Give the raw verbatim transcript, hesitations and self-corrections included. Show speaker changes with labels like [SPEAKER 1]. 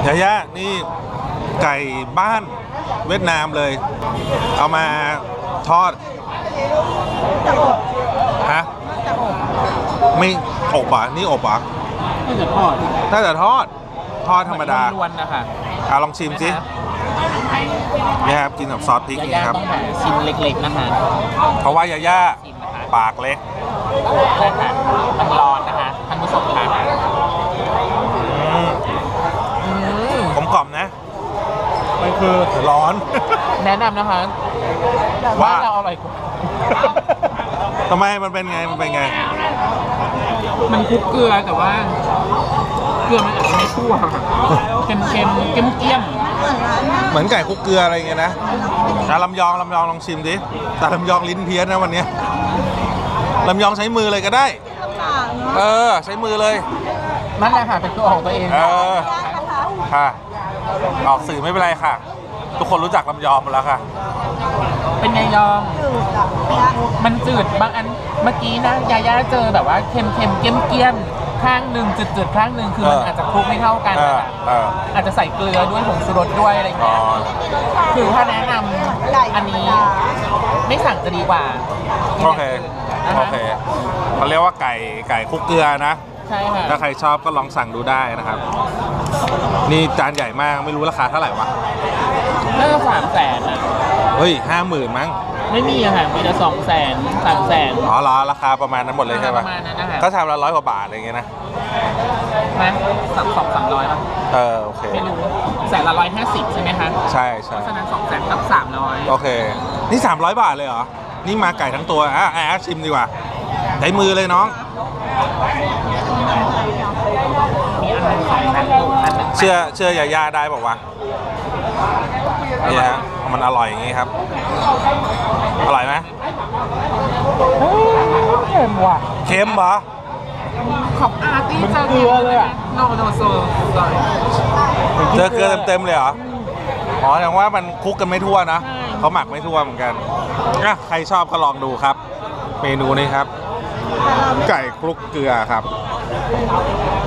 [SPEAKER 1] ยาย่านี่ไก่บ้านเวียดนามเลยเอามาทอดฮะไม่อบอ่ะนี่อบอ่ะ
[SPEAKER 2] น่าจะทอด
[SPEAKER 1] น่าจะทอดทอดธรรมดา
[SPEAKER 2] ล้วนๆนะคะ
[SPEAKER 1] อ่ะลองชิมสินี่ครับกินกับซอสพริกนี่ครับ
[SPEAKER 2] ชิมเล็กๆนะคะ
[SPEAKER 1] เพราะว่ายาย่าปากเล็ก
[SPEAKER 2] นะคะมันร้อนนะคะท่านผู้ชมค่ะ
[SPEAKER 1] ผมกล่อมนะมันคือร้อน
[SPEAKER 2] แนะนำนะคะว่าเราอร่อยกว่า
[SPEAKER 1] ทำไมมันเป็นไงมันเป็นไง
[SPEAKER 2] มันคลุกเกลือแต่ว่าเกลือมันอาจจะไม่ทั่วเค็มเค็มเค็มเกี้ยม
[SPEAKER 1] เหมือนไก่คลุกเกลืออะไรอย่างเงี้ยนะแต่ลำยองลำยองลองชิมดิแต่ลำยองลิ้นเพี้ยนนะวันนี้ลำยองใช้มือเลยก็ได้เออใช้มือเลย
[SPEAKER 2] นั่นแหละค่ะเป็นตัวของตัวเอง
[SPEAKER 1] เออค่ะออกสื่อไม่เป็นไรค่ะทุกคนรู้จักลำยองหมดแล้วค่ะ
[SPEAKER 2] เป็นไงยองมันจืดบางอันเมื่อกี้นะยาย่าเจอแบบว่าเค็มเค็มเกี้ยมเกี้ยมข้างหนึ่งจืดๆข้างหนึ่งคือมันอาจจะคลุกไม่เท่ากันอาจจะใส่เกลือด้วยผงชูรสด้วยอะไรอย่างเงี้ยคือถ้าแนะนำอันนี้ไม่สั่งจะดีกว่า
[SPEAKER 1] โอเคโอเคเขาเรียกว่าไก่ไก่คลุกเกลือนะ
[SPEAKER 2] ใช่ค่ะ
[SPEAKER 1] ถ้าใครชอบก็ลองสั่งดูได้นะครับนี่จานใหญ่มากไม่รู้ราคาเท่าไหร่วะ
[SPEAKER 2] น่าจะสามแสนอ่ะ
[SPEAKER 1] เฮ้ยห้าหมื่นมั้ง
[SPEAKER 2] ไม่มีอะค่ะมีแต่สองแสนสามแสน
[SPEAKER 1] อ๋อเหรอราคาประมาณนั้นหมดเลยใช่ปะ
[SPEAKER 2] ประมาณนั้นนะคะ
[SPEAKER 1] ก็ชามละร้อยกว่าบาทอะไรอย่างเงี้ยนะ
[SPEAKER 2] ไหมสักสองสามร้อยป่ะ
[SPEAKER 1] เออโอเค
[SPEAKER 2] ไม่รู้แสนละร้อยห้าสิบใช่ไหมคะ
[SPEAKER 1] ใช่ใช่
[SPEAKER 2] เพราะฉะนั้นสองแสนกับสามร้อย
[SPEAKER 1] โอเคนี่สามร้อยบาทเลยเหรอนี่มาไก่ทั้งตัวอ่ะอ่ะชิมดีกว่าใช้มือเลยน้อง
[SPEAKER 2] มีอันนึงสองแสนอยู่อันนึง
[SPEAKER 1] เชื่อเชื่อยาย่าได้บอกว่านี่ฮะมันอร่อยอย่างงี้ครับอร่อยไหม
[SPEAKER 2] เค็มว่ะ
[SPEAKER 1] เค็มเหรอ
[SPEAKER 2] ขอบอาร์ตี้เจอเกลือเลยอ่ะโนโนโซ
[SPEAKER 1] เจอเกลือเต็มๆเลยเหรออ๋อแสดงว่ามันคลุกกันไม่ทั่วนะเขาหมักไม่ทั่วเหมือนกันอ่ะใครชอบก็ลองดูครับเมนูนี้ครับไก่คลุกเกลือครับ